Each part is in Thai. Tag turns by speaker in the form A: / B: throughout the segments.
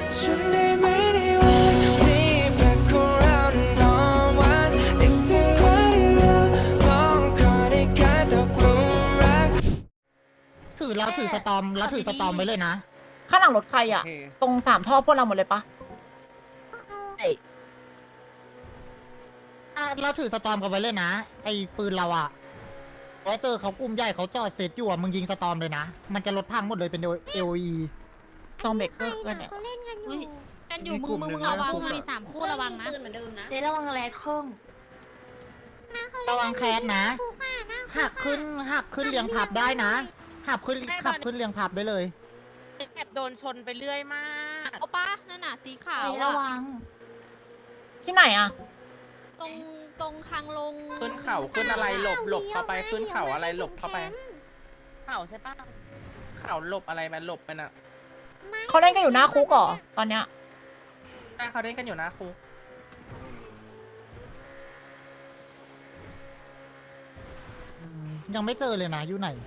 A: ฉันได้ไหมในวันที่แปลกของเรานั้นหอมหวานนึกถึงวันที่เราสองคนได้กลายตกหลุมรัก
B: เราถือสตอมไว้เลยนะ
C: ข้างหลังรถใครอ่ะ
D: โอเค
C: ตรง3 ท่อพวกเราหมดเลยปะ
B: เราถือสตอมกันไว้เลยนะ ไอ้ปืนเราอะแล้วเจอเขากลุ่มใหญ่เขาจอดเซตอยู่อะมึงยิงสตอมเลยนะ มันจะลดพังหมดเลยเป็น AOE
C: ตอมเบรกเกอร์ด้วยเนี่ย
E: เขาเล่นกันอยู่
F: กันอยู่มึงระวังมี3 คู่ระวังนะ
E: เจ๊ระวังแรงครึ่ง
B: ระวังแคสนะ
E: คุกอ่ะนะ
B: หักขึ้นเรียงพับได้นะหักขึ้นเรียงพับได้เลย
F: แอบโดนชนไปเรื่อยมากเอาปะนั่นน่ะสีขาว
E: เจ๊ระวัง
C: ที่ไหนอ่ะ
F: ตรงคางลง
D: ขึ้นเข่าขึ้นอะไรหลบเข้าไปขึ้นเข่าอะไรหลบเข้าไป
F: เข่าใช่ปะ
D: เข่าหลบอะไรมันหลบไปน่ะ
C: เขาเล่นกันอยู่หน้าคุกเหรอตอนเนี้ย
D: ใช่เขาเล่นกันอยู่นะครู
B: ยังไม่เจอเลยนะอยู่ไหน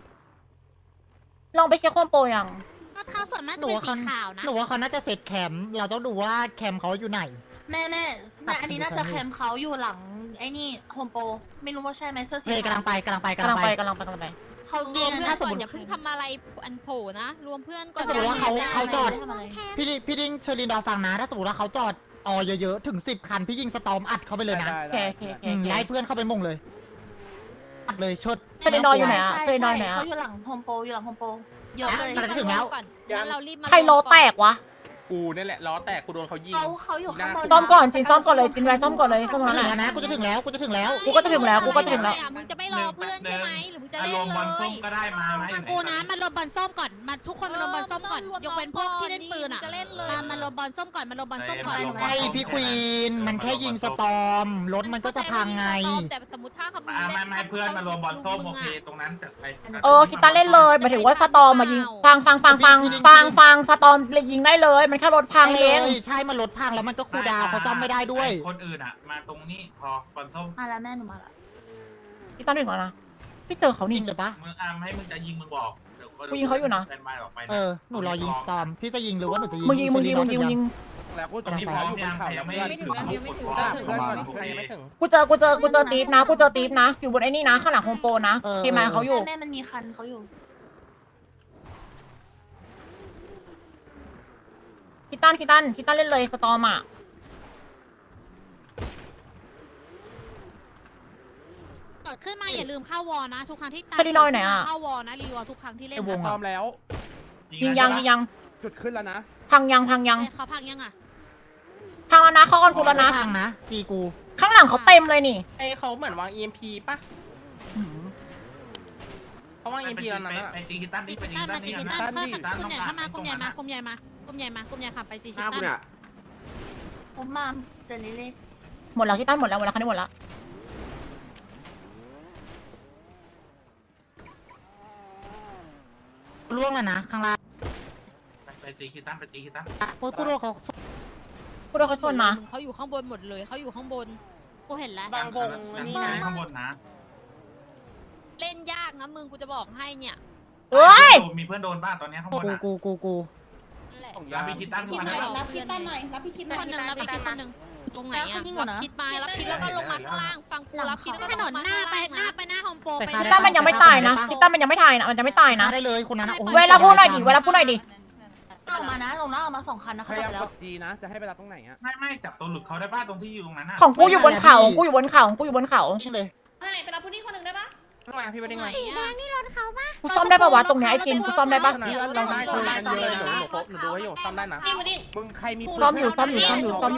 C: ลองไปเช็คความโปรยัง
E: รถเขาส่วนมาก
B: ห
E: จะ
B: นู
E: เป็น
B: ว่า
E: สี
B: เขา
E: ขาวนะ
B: หนูว่าเขาน่าจะเซตแคมป์เราต้องดูว่าแคมป์เขาอยู่ไหน
E: แม่อันนี้น่าจะแคมป์เขาอยู่หลังไอ้นี่โฮมโปรไม่รู้ว่าใช่ไหมเสื้อสี
B: เฮ้ยกำลังไป
C: กำลังไปกำลังไป
E: เขา
F: รวมเพื่อน
B: ถ้าส
F: ก่
B: ม
F: อ
B: มุติ
F: นอย่าเพิ่งทำอะไรอันโผล่นะ รวมเพื่อนก่อน
B: ถ้าสมมุติว่าเขาจอด
E: ทำอะไร
B: พี่ดิ้งเชอรินดอฟังนะ ถ้าสมมติว่าเขาจอดเยอะๆถึง10 คันพี่ยิงสตอมอัดเข้าไปเลยนะ
C: โอเคโอเคโอเค
B: ไล่เพื่อนเข้าไปมุ่งเลยอัดเลยชด
C: เชลินอยอยู่ไหนอะ
E: ใช่
C: เชลินอยไหนอะ
E: เขาอยู่หลังโฮมโปรเยอะเลย
B: กำลังจะถึงแล้ว
F: ก่อนงั้นเรารีบมา
C: ใครโลแตกวะ
D: กูนี่แหละล้อแตกกูโดนเขายิง
E: เขาอยู่ข้างบน
C: ซ่อมก่อนจินซ่อมก่อนเลยจินไว้ซ่อมก่อนเลยซ่อม
B: กู
C: ก่อน
B: จะถึง
C: แห
B: แล้ว
C: ละ
B: นะกูจะถึงแล้ว
C: กูก็จะถึงแล้วกูก็จะถึงแล้ว
F: มึงจะไม่รอเพื่อนใช่ไหมหรือมึงจะเล่น
G: อารมณ์บอล
F: เล
G: ส้
F: ย
G: มก็ได้มาไหม
H: ฟังกูนะมันรวมบอลส้มก่อนมาทุกคนมารวมบอลส้มก่อนยกเว้นพวกที่เล่นปืนอ่ะ
F: จะเล่นเลย
H: มารวมบอลส้มก่อนมารวมบอลส้มก่อน
B: ไอพี่ควีนมันแค่ยิงสตอมรถมันก็จะพังไง
F: แต่สมมติถ้าเขา
G: ไม่เพื่อนมารวมบอลส้มโอเคตรงนั้นจัดไป
C: คิดตาเล่นเลยหมายถึงว่าสตอมมายิงฟังสตอมเลยยิงได้เลยมันแค่รถพังเอง
B: ใช่มันรถพังแล้วมันก็คูลดาวน์เขาซ่อมไม่ได้ด้วย
G: คนอื่นอ่ะมาตรงนี้พอบอลส้ม
E: มาแล้วแม่หนูมาแล้ว
C: คิดตาถึงแล้วนะพี่เจอเขา
B: ยิ
C: นี่
B: งเลยปะ
G: มึงให้มึงจะยิงมึงบอก
C: กูยิงเขาอยู่นะ
G: แซนบายออกไป
B: หนูรอยิงสตอมพี่จะยิงหรือว่าหนูจะยิง
C: มึงยิง
D: แล้วกู
G: ตรงนี้พร้อมยังใครยังไม่ถึงกดพร้อม
D: เพื่อนก่อนใครยังไม่ถึง
C: กูเจอตีฟนะอยู่บนไอ้นี่นะข้างหลังโฮมโปรนะทีมงานเขาอยู่
E: แม่มันมีคันเขาอยู่
C: คิดตันเล่นเลยสตอมอ่ะ
H: เกิดขึ้นมาอย่าลืมเข้าวอนะทุกครั้งที่ตา
C: เชลินอยไหนอะ
H: เข้าวอนะรีวอทุกครั้งที่เล่น
C: ไอ้วง
D: พร้อมแล้ว
C: ยิงยัง
D: จุดขึ้นแล้วนะ
C: พังยัง
H: เขาพังยังอ่ะ
C: พังแล้วนะเข้าคอนคูแล้วนะ
B: พังนะจีกู
C: ข้างหลังเขาเต็มเลยนี่
D: ไอเขาเหมือนวาง EMP ป่ะเขาวาง EMP แล้วนะ
G: ไปตีกิตันนี่ไปตี
H: ตั้
G: กิ
H: น
G: ตัน
H: มา
G: นี่
H: จี
G: นะ
H: กิตันเข้ากลุ่มใหญ่มากลุ่มใหญ่ขับไปจีกิตัน
E: ผมมาเดินเล่
C: หมดแล้วคิดตันหมดแล้วคันนี้หมดแล้ว
B: ล่วงแล้วนะข้างล่าง
G: ไปตีกิตันไปตีกิตัน
B: โอ้ยกูโดนเขา
C: กูโดนเขาชนนะ
F: เขาอยู่ข้างบนหมดเลยเขาอยู่ข้างบน
H: กูเห็นแล้ว
D: บางวง
G: นี่ข้างบนนะ
F: เล่นยากนะมึงกูจะบอกให้เนี่ย
C: เอ้ย
G: มีเพื่อนโดนบ้าตอนนี้ข้างบนอ่ะ
B: กู
F: นั่นแหละ
G: รับพี่คิดตั้งขึ้นมา
F: รับคิดตั้นหน่อยรับคิดคนหนึ่งรับคิดคนหนึ่งตรงไหนอะรับคิดมารับคิดแล้วก็ลงมาข้างล่างฟังกูรับคิดแล้วก็
H: ถนนหน้าไปโฮมโปรไป
C: คิดตันมันยังไม่ตายนะคิดตันมันยังไม่ตายนะมันจะไม่ตายนะ
B: ได้เลยคนนั้น
C: เวลาพูดหน่อยดิเวลาพูดหน่อยดิ
E: ๆออกมานะลงแล้วออกมา2 คันนะ
D: พ
E: เขา
D: ยายาม
E: ไปแล้
D: ก
E: ว
D: ด G นะจะให้ไปรับตรงไหนอ่ะ
G: ไม่จับตัวหลุดเขาได้บ้าตรงที่อยู่ตรงนั้น
C: ของกูอยู่บนเขากูอยู่บนเขา
B: ยิงเลย
F: ไปรับผู้นี้คนหนึ่งได้ปะ
D: ตรงไหนพี่ไปได้ไง
E: สีแดงนี่รถเขาปะ
C: กูซ่อมได้ปะวะตรงเนี้ยไอ้จินกูซ่อมได้ปะ
D: เราได้คุยกันเยอะหนูดูให้อยู่ซ่อมได้นะมึงใครมี
C: ซ่อมอยู่ซ่อมอยู่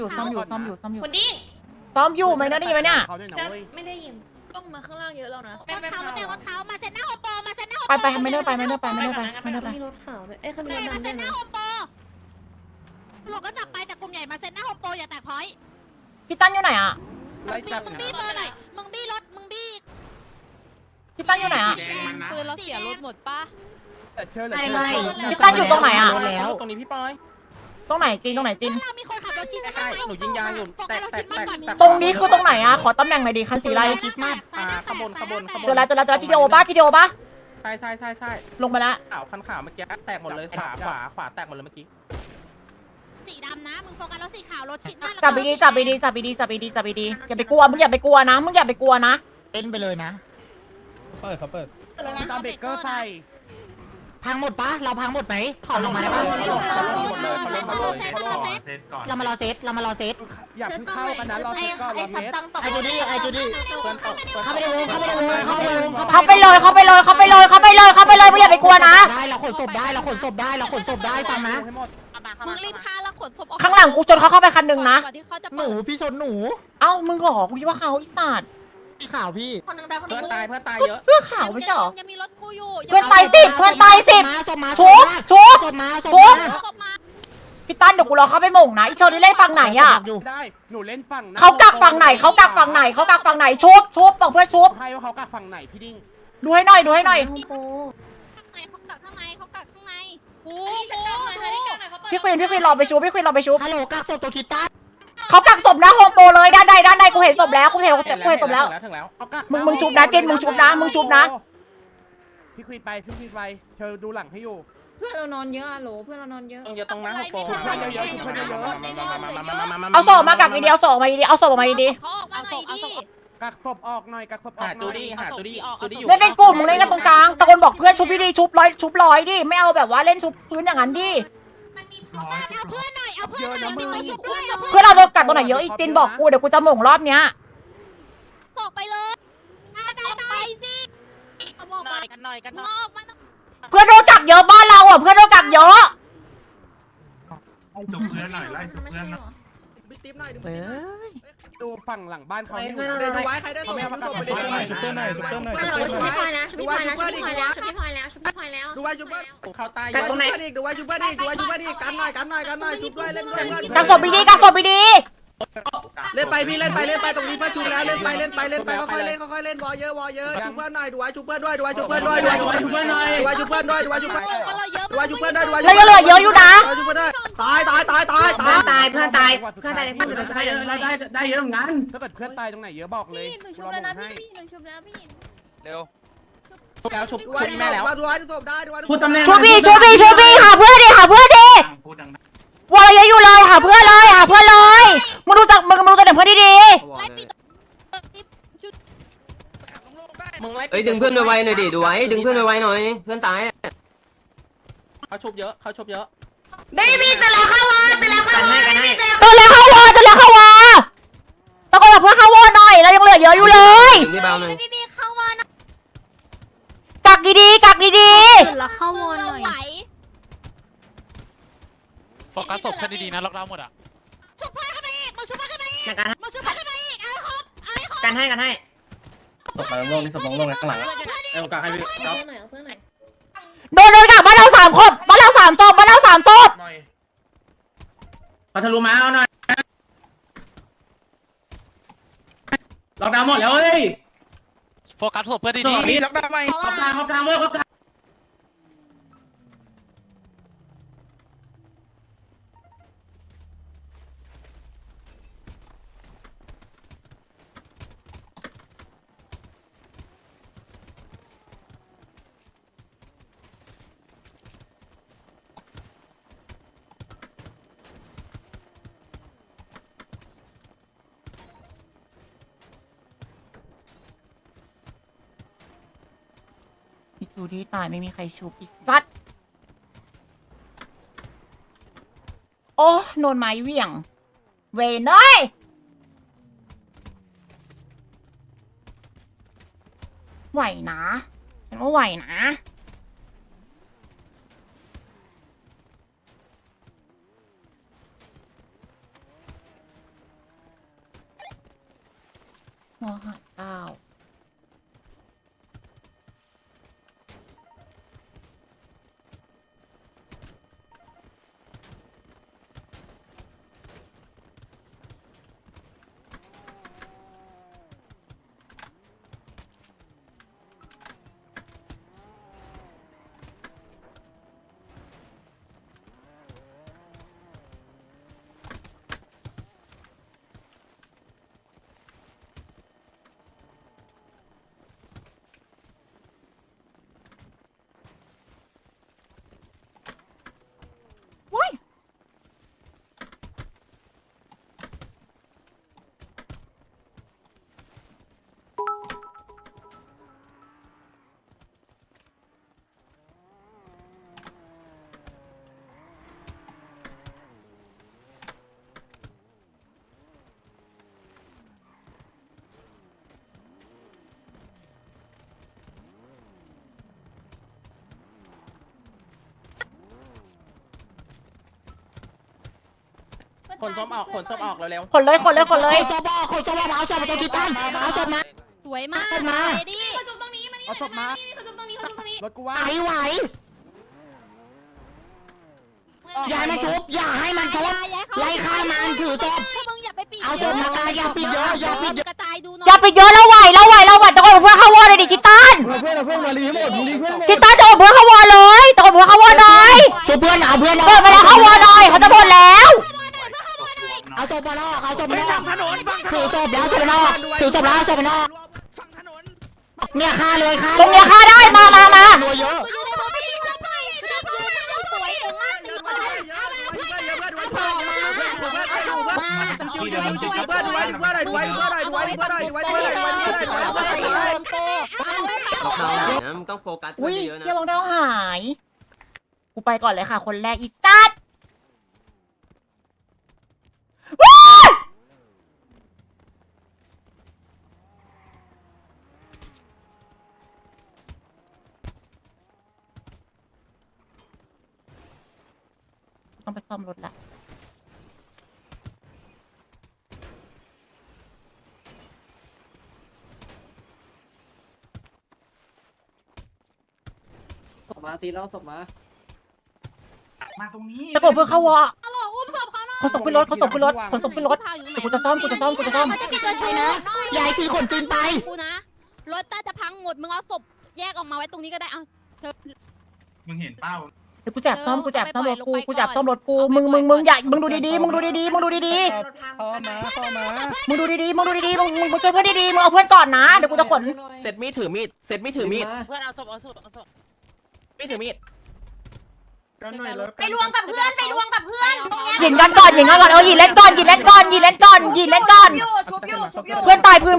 C: ไหมนะนี่ไหมเนี่ย
D: เขาด้วยนะเว้ย
F: ไม่ได้ยินต้องมาข้างล่างเยอะแล้วนะ
H: รถเขามาแต่รถเขามาเซ็นหน้าโฮมโปรมาเซ็นหน้าโฮม
C: ไปไม่ได้ไปมีรถขาวด้วยเขามีรถ
H: มา
C: ดำ
H: เซ็นหน้าโฮมโปรหลงก็จับไปแต่กลุ่มใหญ่มาเซ็นหน้าโฮมโปรอย่าแตกพอยต์
C: คิดตันอยู่ไหนอ่ะ
D: ไล่จับ
H: มึงบี้เบอร์หน่อยมึงบี้รถมึงบี้
C: คิดตันอยู่ไหนอ่ะ
F: ปืนเราเสียรถหมดปะ
D: แต่เชิญเลย
C: พี่ตั้นอยู่ตรงไหนอะ
B: แล้ว
D: ตรงนี้พี่ปอย
C: ตรงไหนจิน
H: เรามีคนขับรถที่เซ็นหน้า
D: หนูยิงยางอยู่แตก
C: ตรงนี้คือตรงไหนอ่ะขอตำแหน่งหน่อยดิคันสีอะไร
B: คริสต์มาส
D: ขบวน
C: เจอแล้วจีดีโอป่ะ
D: ใช่
C: ลงไปแล้ว
D: ขาวคันขาวเมื่อกี้แตกหมดเลยขวาแตกหมดเลยเมื่อกี้
H: โฟกัสรถสีขาวรถชิดหน้า
C: จับไปดีจับไปดีจับไปดีจับไปดีจับไปดีอย่าไปกลัวมึงอย่าไปกลัวนะมึงอย่าไปกลัวนะ
B: เล่นไปเลยนะ
D: เปิดตามเบรกเกอร์ใส่
B: พังหมดปะเราพังหมดไหมถอนลงมาได้ปะ
G: เซตก่อน
B: เรามารอเซตเรามารอเซต
D: อย่าเพิ่งเข้ากันนะรอเซตก่อนรอเซต
B: ไอจูดี้ไอจูดี้
D: เพื่อนตก
B: เข้าไปในวงเข้าไปในวงเข้าไปในวง
C: เขาไปเลยเขาไปเลยเขาไปเลยเขาไปเลยเขาไปเลยมึงอย่าไปกลัวนะ
B: ได้เราขนศพได้เราขนศพได้เราขนศพได้ฟังนะ
D: ให้หมด
F: มึงรีบฆ่าแล้วขนศพออก
C: ข้างหลังกูจนเขาเข้าไปคันหนึ่งนะ
F: ก่อนที่เขาจะ
B: ห
F: เปิ
B: นู
F: ด
B: พี่ชนหนู
C: เอ้ามึงหรอกูคิดว่าเขาอีสัตว์
B: พี่ข่าวพี่
E: คนหนึ่งตายคนห
D: เพื่
E: นึ่
D: อน
E: ง
D: ตายเพื่อนตายเยอะ
C: เสื้อขาวไม่ใช่หรอ
F: ยังมีรถกูอยู่
C: เพื่อนตายสิเพื่อนตายสิ
B: ศพมา
C: ทุบทุบ
B: ศพมาศพ
C: ทุบ
B: มา
F: ศพมา
C: พี่ตั้นเดี๋ยวกูรอเข้าไปหม่งนะอีเชอรี่เล่นฝั่งไหนอ่ะ
D: ได้หนูเล่นฝั่ง
C: เขากักฝั่งไหนเขากักฝั่งไหนเขากักฝั่งไหนชุบชุบบอกเพื่อนชุบ
D: ให้ว่าเขากักฝั่งไหนพี่ดิ้ง
C: ดูให้หน่อยดูให้หน่อย
F: ข้างในเขากักข้างในเขากักข้างในกูกู
C: พี่ควีนพี่ควีนรอไปชุบพี่ควีนรอไปชุบ
B: ฮัลโหลกักศพตัวคิดต้า
C: เขากักศพนะโฮมโปรเลยด้านในกูเห็นศพแล้วกูเห็นศพแล้ว
D: ถึงแล้ว
C: มึงชุบนะเจนมึงชุบนะมึงชุบนะ
D: พี่ควีนไปพี่ควีนไปเธอดูหลังให้อยู่
I: เพื่อนเรานอนเยอะอะโหลเพื่อนเรานอนเยอะ
D: ต้องเยอะตรงนั้นโปรเยอะๆเพื่อนเยอะ
C: เอาศพมากักดีๆเอาศพมาดีๆเอาศพมาดี
F: เขาออกมาหน่อยดิ
D: กักศพออกหน่อยกักศพออกหน่อย
C: ๆเล่นเป็นกลุ่มมึงเล่นกันตรงกลางตะโกนบอกเพื่อนชุบดีๆชุบร้อยดิไม่เอาแบบว่าเล่นชุบพื้นอย่างนั้นดิ
H: เอาเพื่อนหน่อยเอาเพื่อนหน่อยมีไปชุบด้วยเอา
C: เพื่อนเราโดนกัดตรงไหนเยอะอีกจินบอกกูเดี๋ยวกูจะหม่งรอบเนี้ย
F: ออกไปเลยออกไปสิ
H: เอาบอกไปกันหน่อยกันห
F: มึ
H: น่
F: ง
H: อย
F: ออกมา
C: เพื่อนโดนกักเยอะบ้านเราอ่ะเพื่อนโดนกักเยอะ
G: จุบเพื่อนหน่อยไล่จุบเพื่อนหน่อย
D: ดูฝั่งหลังบ้านเขาให้
I: ดูไว้ใครได้ตัว
D: ชุบเพื่อนหน่อยชุบเพื่อนหน่อยชุบเพื่อนหน่อย
I: ชุบพี่พลอยแล้วชุบพี่พลอยแล้วชุบพี่พลอยแล้วชุบพี่พลอยแล้วชุบพี่พลอยแล้วดูไว้ชุบเพื่อน
D: เขาตาย
I: กันตรงไหนดูไว้ชุบเพื่อนดิดูไว้ชุบเพื่อนดิกันหน่อยชุบด้วยเล่นด้วย
C: กักศพดีๆกักศพดี
I: เล่นไปพี่เล่นไปตรงนี้เพื่อนชุบแล้วเล่นไปค่อยๆเล่นวอเยอะชุบเพื่อนหน่อยดูไว้ชุบเพื่อนด้วยดูไว้ชุบเพื่อนด้วยดูไว้ชุบเพื่อนหน่อยดูไว้ชุบเพื่อนด้วยดูไว้ชุบเพื่อน
F: เราเยอะ
I: ดูไว้ชุบเพื่อนด้วยดูไว้
C: ๆแล้วยังเหลือเยอะอยู่นะ
I: ชุบเพื่อนด้วยตายเพื่อนตายในเพื่อนเราได้เยอะเหมือนกัน
D: ถ้าเกิดเพื่อนตายตรงไหนเยอะบอกเลย
I: หนูชุบแล้วนะพี่หนูชุบแล้วพี่
D: เร็วแล้วชุบ
I: ดูไว้แม่แล้วดูไว้ศพได้ดูไว้
C: ชูบี้หาเพื่อนดิ
G: พูดดัง
C: วอลเยอะอยู่เลยหาเพื่อนเลยมึงดูจากมึงดูตัวเด็กเพื่อนดี
F: ไล่ปิดชุด
D: มึงไล่
J: เอ้ยดึงเพื่อนไวๆหน่อยดิดูไว้ดึงเพื่อนไวๆหน่อยเพื่อนตาย
D: เขาชุบเยอะเขาชุบเยอะ
C: ๆตัวแล้วเข้าวอตะโกนบอกเพื่อนเข้าวอหน่อยเรายังเหลือเยอะอยู่เลย
J: ดึงที่เบาหน่อย
E: พี่เข้ามานะ
C: กักดีๆ
F: แล้วเข้าวอนหน่อย
K: โฟกัสศพเพื่อนดีๆนะล็อกดาวน์หมดอ่ะ
H: ชุบเพื่อนกันไปอีกมาชุบเพื่อนกันไปอีกมาชุบเพื่อนกันไปอีกเอาครบเอาให้ครบ
I: กันให้
J: ศพลงลงนี่ศพลงข้างหลัง
I: เอวกาให้พี่ครับเพื่อนหน่อยเพื่อนหน่อย
C: โดนกักบ้านเรา3 คนบ้านเรา3 ศพ
I: พัทลุมาเอาหน่อยล็อกดาวน์หมดแล้วเฮ้ย
K: โฟกัสศพเพื่อนดี
D: นี่ล็อกดาวน์ไหม
I: เขากลางเว้ยเขากลาง
C: อีจูดี้ตายไม่มีใครชุบอีสัตว์โอ้โดนไม้เหวี่ยง เวนเอ้ยไหวนะเห็นว่าไหวนะหัวหัด9
D: ขนส้มออกขนส้มออกเร็ว
C: ขนเลยขนเลยขนเลย
B: เอาศพมาเอาศพมาตรงที่ตั้งเอาศพมา
F: สวยมาก
B: มา
F: เลดี้
H: เขาจุ่มตรงนี้มานี่
D: เอาศพมา
H: เขาจุ่มตรงนี้เขาจุ่มตรงนี้
D: รถกูว่า
B: ไหวอย่าให้มันชุบอย่าให้มันชุบไล่ฆ่ามันถือศพ
F: มึงอย่าไปปิด
B: เอาศพมากายอย่าปิดเยอะอย่าปิดเยอะ
F: กระจายดูหน่อย
C: อย่าไปเยอะแล้วไหวตะโกนเพื่อนเข้าวอเลยดิคิตัน
D: เพื่อนมารีหมดรีเพื่อนหมด
C: คิตันตะโกนเพื่อนเข้าวอเลยตะโกนเพื่อนเข้าวอหน่อย
B: ชุบเพื่อนเอาเพื่อน
C: เปิดไปแล้วเข้าวอหน่อยเขาจะหมดแล้ว
B: เอาศพมาลอกเอาศพมาลอก
I: ถนนฟังถนน
B: ถือศพแล้วศพมาลอกถือศพแล้วศพมาลอก
I: ฟังถนน
B: เนี่ยฆ่าเลยฆ่า
C: ตรงเนี้ยฆ่าได้มา
B: รัวเยอะ
F: อยู่ในมือไม่ดีเลยสวยเก่งมากตีคนได้
J: ล็อกดาวน์หน่อยนะมึงต้องโฟกัส
C: อุ้ย
J: เยอะๆนะ
C: เยี่ยมองเท้าหายกูไปก่อนเลยค่ะ คนแรกอีสัตว์ว้ายต้องไปซ่อมรถละ
I: ศพมาตีแล้วศพมา
G: มาตรงนี้
C: ตะโกนเพื่อเข้าวอ
H: เอาหลออุ้มศพเขาหน่อย
C: ขนศพขึ้นรถขนศพขึ้นรถขนศพขึ้นรถเดี๋ยวกูจะซ่อม
B: ยายซื้อขนจีนไป
F: กูนะรถใต้จะพังหมดมึงเอาศพแยกออกมาไว้ตรงนี้ก็ได้เอาเชิญ
G: มึงเห็นเป้า
C: เดี๋ยวกูแจกซ่อมรถกูแจกซ่อมรถกูมึงอย่ามึงดูดีๆมึงดูดีๆมึงดูดีๆ
D: เข้ามา
C: มึงดูดีๆมึงช่วยเพื่อนดีๆมึงเอาเพื่อนก่อนนะเดี๋ยวกูจะขน
D: เสร็จมีดถือมีดเสร็จมีดถือมีด
H: เพื่อนเอาศพเอาศพ
D: มีดถือมีด
H: ไปรวมกับเพื่อนตรงเนี้ย
C: ยิงกันก่อนยิงเล่นก่อน
H: ชุบอยู่
C: เพื่อนตายพื้น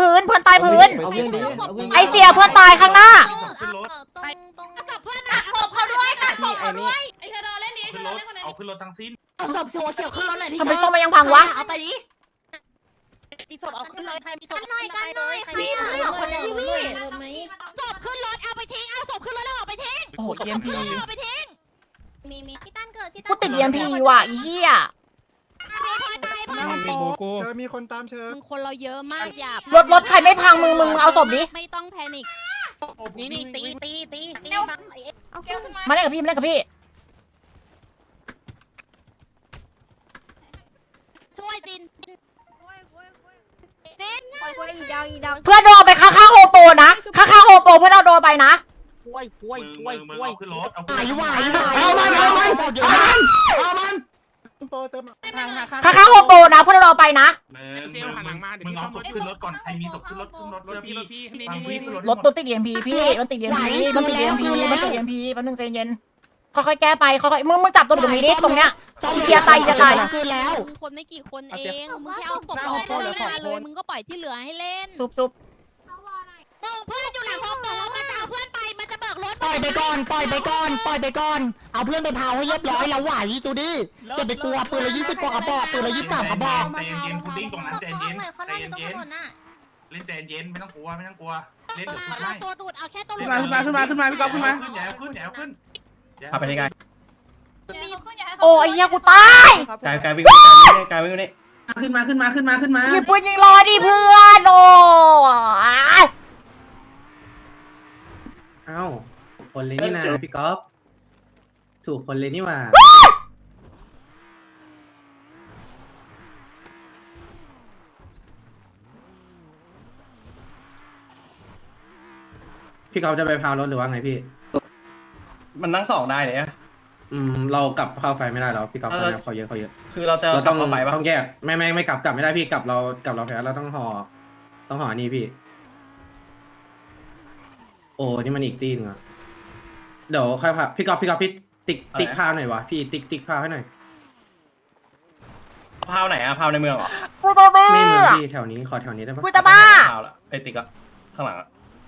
C: ไอเสียเพื่อนตายข้างหน้า
G: ขึ้นรถ
H: กับเพื่อนตัดศพเขาด้วยตัดศพเขาด้วยไอ้เธอเล่นดิ
G: ขึ้นรถเอาขึ้นรถทั้งสิ้น
E: เอาศพสีเขียวขึ้นรถหน่อยดิ
C: ทำไมส้มมายังพังวะ
E: เอาไปดิ
H: มีศพเอาขึ้นเลยใครมีศพ
E: กันหน่อยใครเอาคนนี้พี่
H: ศพขึ้นรถเอาไปทิ้งเอาศพขึ้นรถแล้วเอาไปทิ้ง
C: โอ้โห EMP
H: เอาไปทิ้ง
E: มีพี่ตั้นเกิดพี่
C: กูติด EMP ว่ะอีเหี้ย
D: มีคนตามเชิญ
F: มึงคนเราเยอะมากอย่าร
C: ถใครไม่พังมึงเอาศพดิ
F: ไม่ต้องแพนิค
H: นี่ตี
C: มาเล่นกับพี่
H: ช่วยติน
C: เพื่อนโดนไปข้างๆโฮโปนะข้างๆโฮโปเพื่อนเอาโดนไปนะ
G: มึงเอาขึ้นรถเอา
B: ไหว
C: เอามัน
B: เอามัน
C: ข้างๆโฮโปนะเพื่อนเอาไปนะ
G: มึงเอาศพขึ้นรถก่อนใครมีศพขึ้นรถพี่ฟังพี่ขึ้นรถ
C: รถตัวติด EMP พี่มันติด EMP มันติด EMP แป๊บนึงใจเย็นค่อยๆแก้ไปค่อยๆมึงจับตัวตรงนี้ดิตรงเนี้ย เสียตายจะตาย
B: คืนแล้ว
F: มึงคนไม่กี่คนเองมึงแค่เอาศพออกมาเลยมึงก็ปล่อยที่เหลือให้เล่น
C: ซุบ
H: เพื่อนอยู่หลังห้องบอกมันจะเอาเพื่อนไปมันจะเบิกรถ
B: ปล่อยไปก่อนเอาเพื่อนไปเผาให้เรียบร้อยแล้วไหวจูดี้อย่าไปกลัวปืนละ20กว่ากระบอกปืนละ23กระบอก
G: ใจเย็นๆพุดดิ้งตรงนั้นใจเย็นใจเย็นเล่นใจเย็นไม่ต้องกลัวเล่นเดี๋ยวขึ้น
H: เอาตัวตูดเอาแค่ตัว
D: ขึ้นมาพี่ก๊อฟขึ้นมา
G: อย่าขึ้น
J: ขับไปได้ไง
C: โอ้ยเหี้ยกูตาย
J: กายวิ่งกายวิ่งนี่
I: ขึ้นมา
C: หยิบปืนยิงรอดิเพื่อนโอ้
I: เอ้าคนเลยนี่นะพี่ก๊อฟถูกคนเลยนี่ว่าพี่ก๊อฟจะไปพาวรถหรือว่าไงพี่
J: มันนั่งสองได้เนี่ย
I: เรากลับเข้าไฟไม่ได้แล้วพี่ก๊อฟเขาเยอะ
J: คือเราจะ
I: เรา
J: กลั
I: ต้
J: บ
I: อง
J: เข้าไปปะ
I: ต้องแยกไม่กลับไม่ได้พี่กลับเราแพ้เราต้องห่อนี่พี่ โอ้นี่มันอีกตีนึงอะเดี๋ยวค่อยพาพี่ก๊อฟพี่ติ๊กพาวหน่อยวะพี่ติ๊กพาวให้หน่อย
J: พาวไหนอะพาวในเมืองเหรอ
C: กูจะบ้า
I: ไม่เหมือนพี่แถวนี้ขอแถวนี้ได้ปะ
C: กูจะบ้า
J: พาวละไอติ๊กอะข้างหลังอะ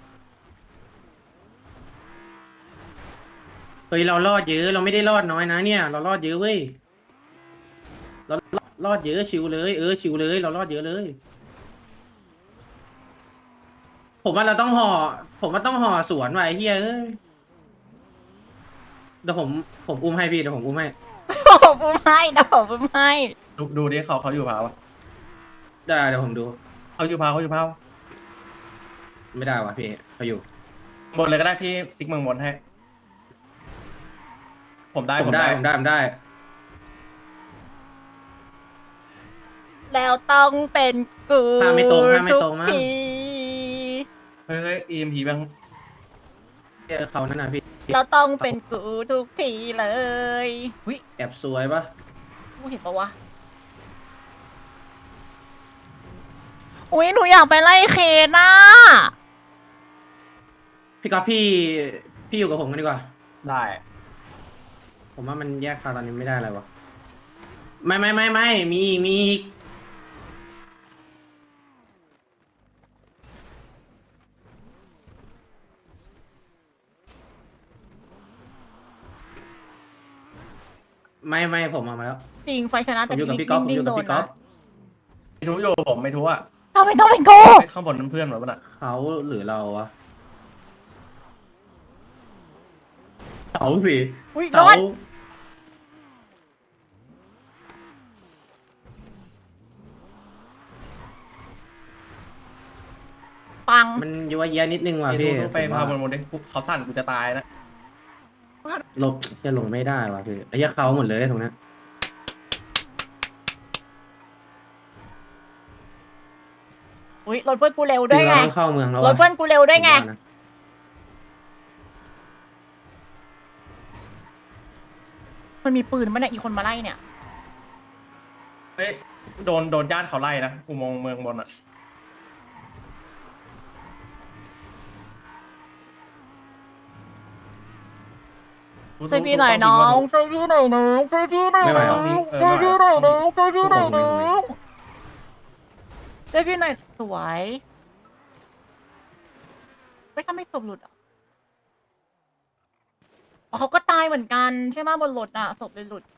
I: เฮ้ยเรารอดเยอะเราไม่ได้รอดน้อยนะเนี่ยเรารอดเยอะเว้ยเรารอดเยอะชิวเลยชิวเลยเรารอดเยอะเลย ผมว่าต้องห่อสวนไว้เฮ้ยเดี๋ยวผมอุ้มให้พี่เดี๋ยวผมอุ้มให้
C: ผมอุ้มให้นะผมอุ้มให้
J: ดูดิเขาอยู่พาวะ
I: ได้เดี๋ยวผมดู
J: เขาอยู่พาว
I: ไม่ได้ว่ะพี่เขาอยู่
J: บนเลยก็ได้พี่ติ๊กเมืองบนให้ ผมได้
I: ผมได้
C: แล้วต้องเป็นกู
I: ถ้าไม่ตรงถ้าไม่
C: ทุก
I: ตรงนะ
C: ที
J: เฮ้ย EMP บ้าง
I: เขานั่นนะพี่
C: เราต้องเป็นกูทุกทีเลยวิ
I: แอบสวยปะ
C: กูเห็นปะวะอุ้ยหนูอยากไปไล่เคนน่ะ
I: พี่ก๊อฟพี่อยู่กับผมกันดีกว่า
J: ได้
I: ผมว่ามันแยกคาตอนนี้ไม่ได้เลยวะไม่มีอีกไม่ผมเอามาแล้ว
C: จริงไฟชนะ
I: ผ
C: แต่
I: มอยู่กับ
C: พี่
I: พี่ก๊อฟผม
C: นิ่
I: อง ยู่
C: ๆ
I: กับ
C: โดน
I: พี่ก๊อ
C: นะ
I: ฟ
J: ไม่รู้อยู่ผมไม่รู้อ่ะ
C: ทำไมต้องเป็นกู
J: ข้างบนนั้นเพื่อนเหรอปะน่ะ
I: เขาหรือเราวะเขาสิ
C: อุ้ยร
I: เขา
C: อดปัง
I: มันยั่วเยียนิดนึงว่ะพี่
J: ดูไป
I: ผม
J: พา
I: ว่า
J: บนดิเขาสั่นกูจะตายนะ
I: จะลงไม่ได้ว่ะพี่ไอ้เหี้ยเขาหมดเลยตรงนั้น
C: อุ้ยรถเพื่อนกูเร็วด้วยไง
I: เราต้องเข้าเมืองแล้ว
C: รถเพื่อนกูเร็วด้วยไง
I: ผมว่านะ
C: มันมีปืนมั้ยเนี่ยอีกคนมาไล่เนี่ย
J: เฮ้ยโดนญาติเขาไล่นะอุโมงค์เมืองบนอ่ะ
C: ช่วยพี่หน่อยน้องช่วยพี่หน่อยน้องช่วยพี่หน่อยน้องช่วยพี่หน่อยน้องช่วยพี่หน่อยน้องช่วยพี่หน่อยสวยไม่ทำให้ศพหลุดอ่ะอ๋อเขาก็ตายเหมือนกันใช่ไหมบนรถอ่ะศพเลยหลุด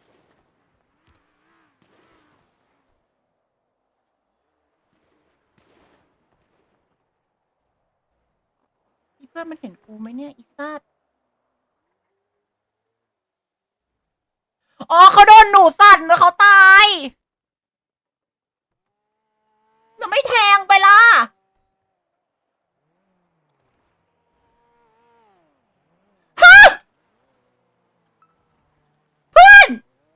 C: อีเพื่อนมันเห็นกูไหมเนี่ยอีซาดอ๋อเขาโดนหนูสั่นแล้วเขาตายแล้วไม่แทงไปล่ะฮะเพื่อน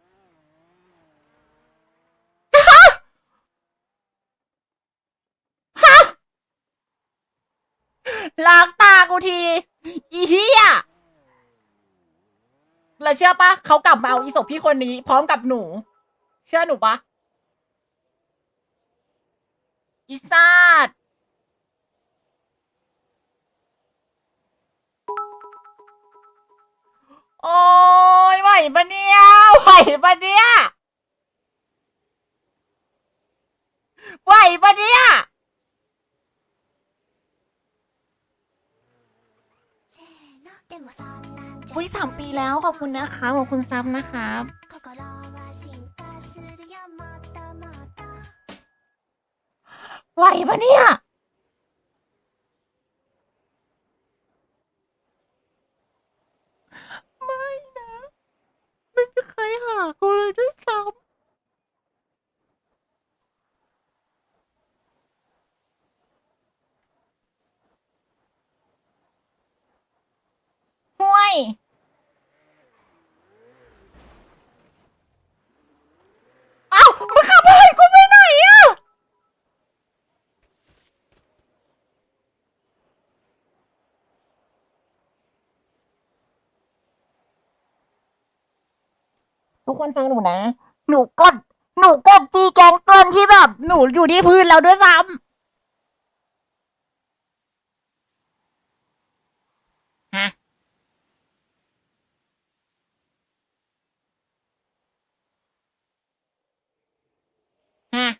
C: ฮะฮะล้างตากูทีอีเหี้ยแล้วเชื่อปะเขากลับมาเอาอีศพพี่คนนี้พร้อมกับหนู เชื่อหนูปะอีซาดโอ้ยไหวปะเนี่ยไหวปะเนี่ยไหวปะเนี่ยอุ้ย3 ปีแล้วขอบคุณนะคะขอบคุณซับนะครับไหวปะเนี่ยไม่นะไม่มีใครหากูเลยด้วยซ้ำห่วยเอ้ามึงขับไปกูไปไหนอะทุกคนฟังหนูนะ หนูกดจีแกงเกินที่แบบหนูอยู่ที่พื้นแล้วด้วยซ้ำฮะฮะ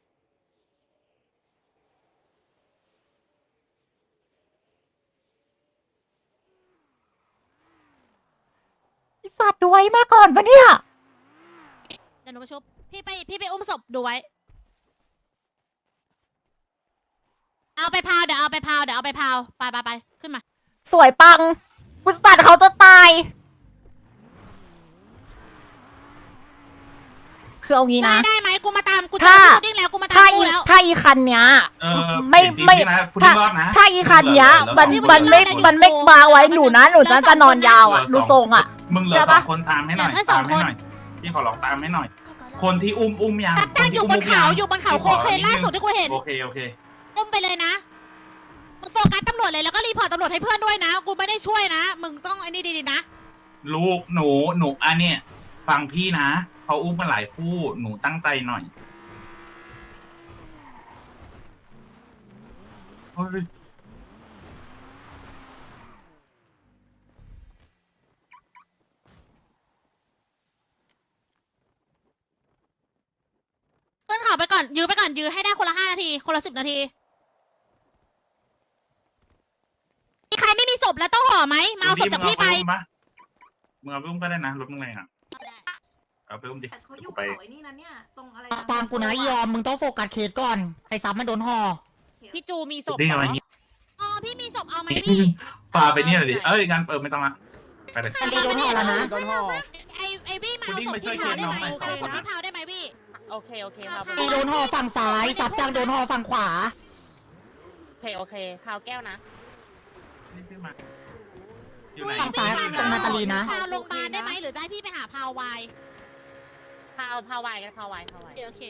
C: ไอ้สัตว์ดูไว้มาก่อนปะเนี่ย
H: เดี๋ยวหนูไปชุบพี่ไปอุ้มศพดูไว้ เอาไปพาวเดี๋ยวเอาไปพาวไปขึ้นมา
C: สวยปังกุสตัดเขาจะตายคือเอางี้นะ
H: ได้ไหมกูมาตามกู
C: ถ้า
H: จะดิ้งแล้วกูมาตามกูแล้ว
C: ถ้าอีคันเนี้ย ไม่
G: จริงๆ
C: ไม่
G: นะคุณ
C: ถ้า
G: รอดนะ
C: ถ้าอีคันเนี้ยมันไม่มาไว้หนูนะหนูจะนอนยาวอ่ะดูทรงอ่ะ
G: มึงเหลือสองคนตามให้หน่อยตามให้หน่อยพี่ขอลองตามให้หน่อย คนที่อุ้มยัง
H: ตั้งอยู่บนเขาอยู่บนเขาโคเคนล่าสุดที่กูเห็น
G: โอเค
H: อุ้มไปเลยนะมึงโฟกัสตำรวจเลยแล้วก็รีพอร์ตตำรวจให้เพื่อนด้วยนะ กูไม่ได้ช่วยนะ มึงต้องไอ้นี่ดีๆนะ
G: ลูกหนูอันเนี้ยฟังพี่นะเขาอุ้มมาหลายคู่หนูตั้งใจหน่อยเฮ้ย
H: ขึ้นเขาไปก่อนยื้อไปก่อนยื้อให้ได้คนละ5 นาทีคนละ10 นาทีมีใครไม่มีศพแล้วต้องห่อไหมมาเอาศพจากพี่ไป
G: มึงเอาไปอุ้มก็ได้นะรถมึงแรงอ่ะเอาไปอุ้มดิ
E: เขาอยู่
G: ไป
E: เขาไอ้นี่นะเนี่ยตรงอะไร
B: ฟังกูนะยอมมึงต้องโฟกัสเคสก่อนไอ้ซับมันโดนห่อ
H: พี่จูมีศพ
G: ดิ้งอะไรอย่างงี้
H: อ๋อพี่มีศพเอาไหมพี่
G: ปาไปเนี่ยเลยดิงั้นไม่ต้องละไปเลย
B: อันนี้โดนห่อแล้วนะ
D: โดนห่อ
H: ไอ้บี้มาเอาศพ
G: คุณดิ้งไปช่วย
H: ที่เผาได้ไหม
G: เคลียร์น้องหน่อย
H: เอาศพที่เผาได้ไหมพี่
F: โอเคโอเคพาว
B: ตีโดนห่อฝั่งซ้ายซับจังโดนห่อฝั่งขวา
F: โอเคพาวแก้วนะ
G: นี่ขึ้นมาอยู่ไหน
B: ฝั่งซ้ายตรงนาตาลีนะ
H: พาวโรงพยาบาลได้ไหมหรือจะให้พี่ไปหาพาววาย
F: พาวไวกันพาวไว
H: โอเค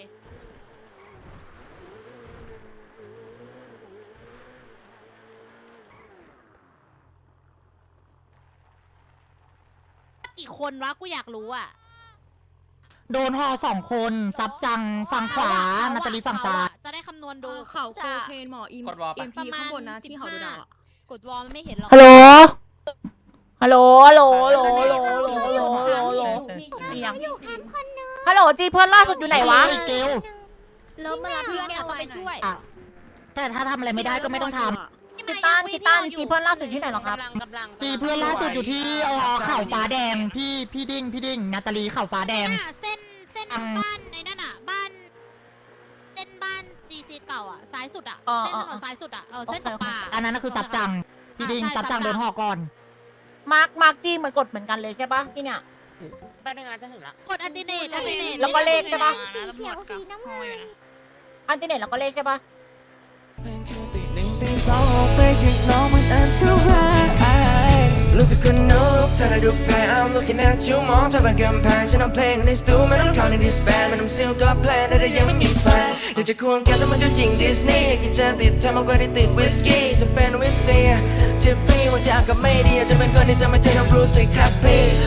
H: กี่คนวะกูอยากรู้อ่ะ
B: โดนห่อ2 คนซับจังฝั่งขวานาตาลีฝั่งซ้าย
H: จะได้คำนวณดู
F: เขาโคเคนหมออิม
D: กดวอลไป
F: พีข้างบนนะที่เขาดูดาวกดวอลมันไม่เห็นหรอก
C: ฮัลโหลฮัลโหลฮัลโหลฮัลโหลฮัลโหลฮัลโหลฮัลโหลฮัลโหลฮัลโหลจีเพื่อนล่าสุดอยู่ไหนวะ
B: ไอ้เกล
F: เริ่มมารับเพื่อนอะต้องไปช่วย
B: อ่ะแต่ถ้าทำอะไรไม่ได้ก็ไม่ต้องท
C: กีต้านจีเพื่อนล่าสุดที่ไหนหรอครับ
F: กำลัง
B: ำจีเพื่อนล่าสุดอยู่ที่เข่าฟ้าแดงพี่ดิ้งนาตาลีเข่าฟ้าแดง
H: เส้นบ้านในนั่นอ่ะบ้านเส้นบ้าน GC เก่าอ่ะซ้ายสุดอ่ะเส้นถนนซ้ายสุดอ่ะเส้นตกปลา
B: อันนั้นก็คือซับจังพี่ดิ้งซับจังโดนห่อก่อน
C: มาร์กจีเหมือนกดเหมือนกันเลยใช่ปะที่เนี่ย
F: แป๊บนึงนะจะถึงละ
H: กดอันติเนต
C: แล้วก็เลขใช่ปะ
H: สีเขียวสีน้ำเงิน
C: อันติเน็ตแล้วก็เลขใช่ปะ
A: รู้สึกคนนกเธอได้ดูแพ้ I'm looking at you มองเธอเป็นกำแพงฉันเอาเพลงในสตูไม่ต้องเข้าในดิสแบนไม่ต้องซิลก็แพลนแต่ยังไม่มีแฟนอยากจะควงแกแต่มันก็ยิงดิสนีย์กินเจติดเธอมากกว่าที่ติดวิสกี้จะเป็นวิสเซียทิฟฟี่วันที่อากาศไม่ดีอาจจะเป็นคนที่จะไม่ใช่น้องบรูซสิครับพี่